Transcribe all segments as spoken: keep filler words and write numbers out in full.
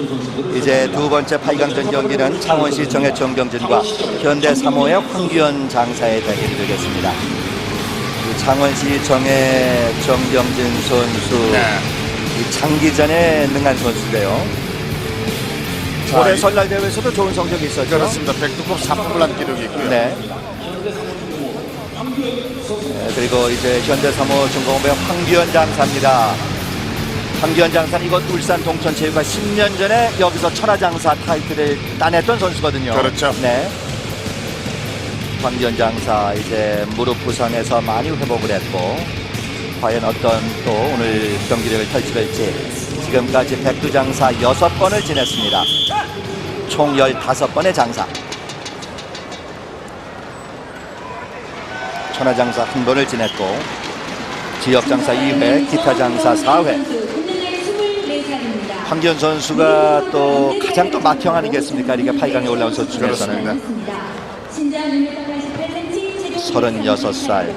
이제 두 번째 팔 강전 경기는 창원시 정의 정경진과 현대 삼 호의 황규현 장사의 대결이 되겠습니다. 창원시 정의 정경진 선수, 네. 이 장기전에 능한 선수인데요. 자, 올해 설날 대회에서도 좋은 성적이 있었죠. 그렇습니다. 백두급 삼 품을 한 기록이 있고요. 네. 네, 그리고 이제 현대 삼 호 중공업의 황규현 장사입니다. 황규현 장사는 이곳 울산 동천체육관 십 년 전에 여기서 천하장사 타이틀을 따냈던 선수거든요. 그렇죠. 네. 황규현 장사 이제 무릎 부상에서 많이 회복을 했고, 과연 어떤 또 오늘 경기력을 펼칠지. 지금까지 백두장사 여섯 번을 지냈습니다. 총 열다섯 번의 장사. 천하장사 한 번을 지냈고, 지역장사 이 회, 기타장사 사 회. 황규현 선수가 또 가장 또 맏형 아니겠습니까? 이게 팔 강에 올라온 선수 중에서는. 서른여섯 살.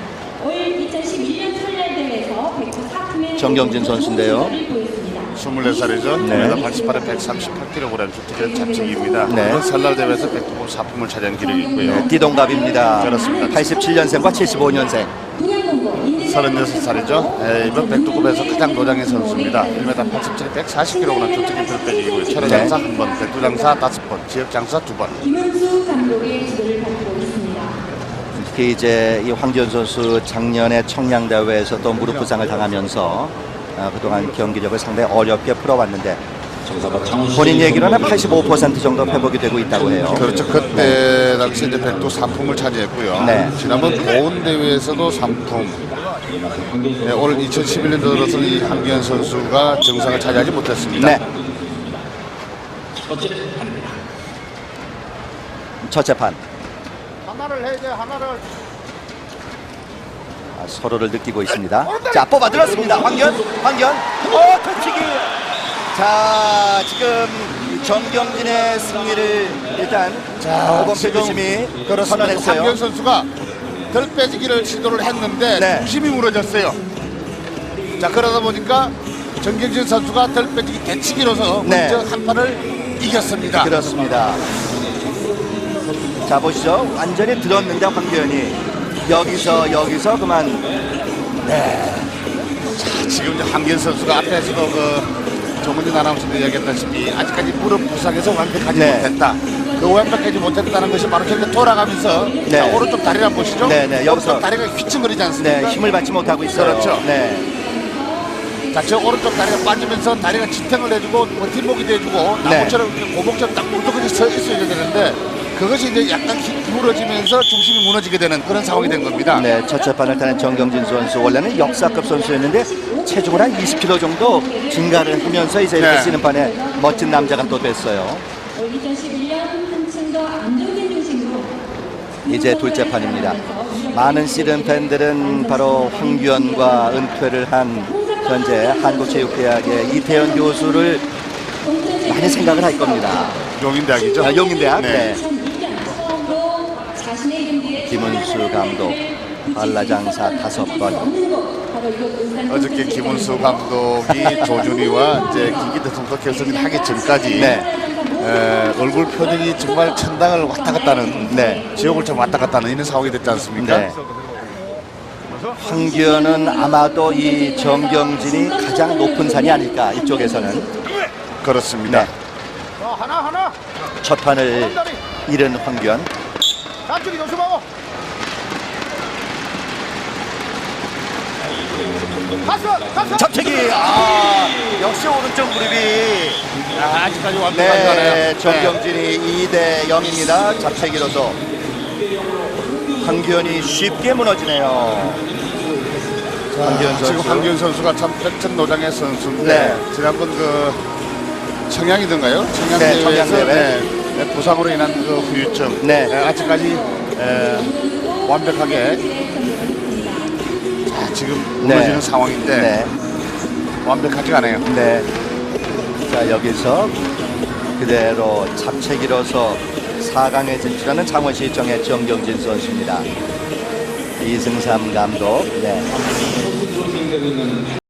정경진 선수인데요. 스물네 살이죠. 네. 일 미터 팔십팔에 백삼십팔 킬로그램 주특기는 잡치기입니다. 네. 이번 설날 대회에서 백두급 사 품을 차지한 기록이 있고요. 네, 띠동갑입니다. 그렇습니다. 팔십칠 년생과 칠십오 년생. 서른여섯 살이죠. 네, 이번 백두급에서 가장 노장의 선수입니다. 일 미터 팔십칠에 백사십 킬로그램 주특기 들빼기고요. 천하장사 네. 한 번, 백두장사 다섯 번, 지역장사 두 번. 김은수 감독의 지도를 받고 있습니다. 특히 이제 이 황규현 선수 작년에 청량대회에서 또 무릎 부상을 당하면서 아, 그동안 경기력을 상당히 어렵게 풀어왔는데 본인 얘기로는 팔십오 퍼센트 정도 회복이 되고 있다고 해요. 그렇죠. 그때 당시 이제 백두 삼 품을 차지했고요. 네. 지난번 보은 대회에서도 삼 품. 네, 올 이천십일 년도 들어서 이 황규현 선수가 정상을 차지하지 못했습니다. 네. 첫째 판. 하나를 해야 돼, 하나를. 아, 서로를 느끼고 있습니다. 자, 뽑아 들었습니다. 황규현, 황규현. 어, 터치기. 자, 지금 정경진의 승리를 일단 오범표 교심이 선언했어요. 황규현 선수가 덜 빼지기를 시도를 했는데 네. 중심이 무너졌어요. 자, 그러다 보니까 정경진 선수가 덜 빼지기 대치기로서 네. 먼저 한 판을 이겼습니다. 그렇습니다. 자, 보시죠. 완전히 들었는데 황규현이 여기서 여기서 그만. 네. 자, 지금 이제 황규현 선수가 앞에서도 그 정은진 아나운서도 이야기했다시피 아직까지 무릎 부상에서 완벽하지 네. 못했다. 그 완벽하지 못했다는 것이 바로 저렇게 돌아가면서 네. 자, 오른쪽 다리를 한번 보시죠. 네, 네. 여기서 오른쪽 다리가 휘청거리지 않습니까? 네, 힘을 받지 못하고 있어요. 그렇죠. 네. 자, 저 오른쪽 다리가 빠지면서 다리가 지탱을 해주고 버팀목이 돼주고 나무처럼 이렇게 고목처럼 딱 물떡하게 서 있어야 되는데 그것이 이제 약간 기울어지면서 중심이 무너지게 되는 그런 상황이 된 겁니다. 네, 첫째 판을 타는 정경진 선수 원래는 역사급 선수였는데 체중을 한 이십 킬로그램 정도 증가를 하면서 이제 이렇게 네. 쓰는 판에 멋진 남자가 또 됐어요. 이천십일 년 한층 더 안정된 중심으로 이제 둘째 판입니다. 많은 씨름 팬들은 바로 황규현과 은퇴를 한 현재 한국체육대학의 이태현 교수를 많이 생각을 할 겁니다. 용인대학이죠. 아, 용인대학. 네. 네. 김은수 감독 한라장사 다섯 번. 어저께 김은수 감독이 조준희와 이제 김기태 선수 결승을 하기 전까지 네. 에, 얼굴 표정이 정말 천당을 왔다 갔다 하는 네. 지옥을 좀 왔다 갔다 하는 이런 상황이 됐지 않습니까? 네. 황규현은 아마도 이 정경진이 가장 높은 산이 아닐까, 이쪽에서는. 그렇습니다. 네. 첫 판을 잃은 황규현. 안쪽이 조심하고. 잡채기. 아, 역시 오른쪽 무릎이. 아, 아직까지 완벽하지 않아요. 네, 정경진이 이 대 영입니다. 잡채기로서 황규현이 쉽게 무너지네요. 자, 황규현 선수. 지금 황규현 선수가 참 백천노장의 선수인데 네. 지난번 그 청양이던가요? 네, 청양대회에서 청양대회. 네, 네, 부상으로 인한 그 후유증. 네. 네, 아직까지 에, 완벽하게 자, 지금 무너지는 네. 상황인데 네. 완벽하지가 않아요. 네. 자, 여기서 그대로 잡채기로서 사 강에 진출하는 창원시 정의 정경진 선수입니다. 이승삼 감독. 네.